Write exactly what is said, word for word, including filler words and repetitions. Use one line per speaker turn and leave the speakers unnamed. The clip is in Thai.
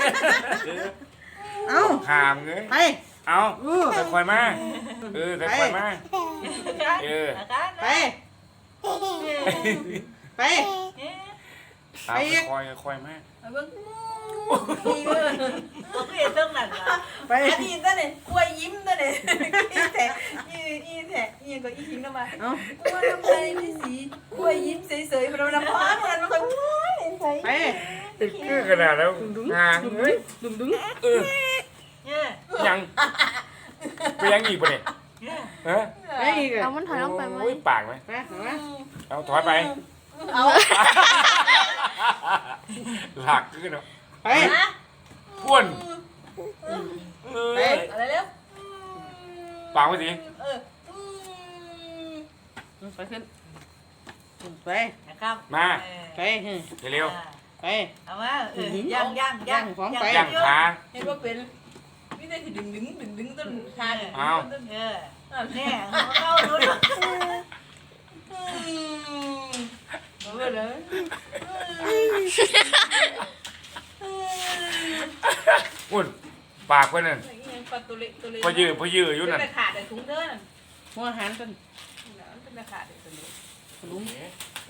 เอา
หามเงย
ไป
เอาแต่คอยมาเออแต่คอยมาเออ
ไปไป
ตาคอยคอยมา
เบิ่งนี่เด้อเอาเฮ็ดเรื่องนั้นล่ะ
ไป
อันนี้ซะนี่กล้วยยิ้มซะนี่อีแท้อีอีแท้อีก็อีหิงนำมา
เอา
กล้วยทำไมนี่สีกล้วยยิ้มเฉยๆมันน้ำพานมันมันก็โอ้ยใส่
ไป
คือขนาดแล้วหางเฮ้ย
ดึงดึง
เออ
เนี่ย
ยังไปยังอีกปะเนี่ยฮะ
ไปอีก
เอามันถอยลงไปไหม
โอ้ยปากไหม
ไปเอามา
เอาถอยไป
เอา
หลักขึ้นเนาะ
ไป
นะ
อ้วน
ไป
อะไรเร็ว
ปากไว้สิ
เออ
ไปขึ้นไป
นะครับ
ไป
เร็ว
ไป
เอามาเออย่างย่างย่าง
ๆย่างขา
เห็นว่าเป็นไม่ได้ที่ดึงดึงดึงดึงต้นทาง
เอา
เออเนี่ยเข้าดูดูเอาไปเลย
อ้วนปากเพื่อนนั่น
ปัดตัวเล็กตัวเล็ก
พอยืดพอยืดอยู่นั่น
เป็นขาดแต่ถุงเด้อนั่น
หัวหันกัน
เป็นขาดแต่ตัวเล็ก
ลุง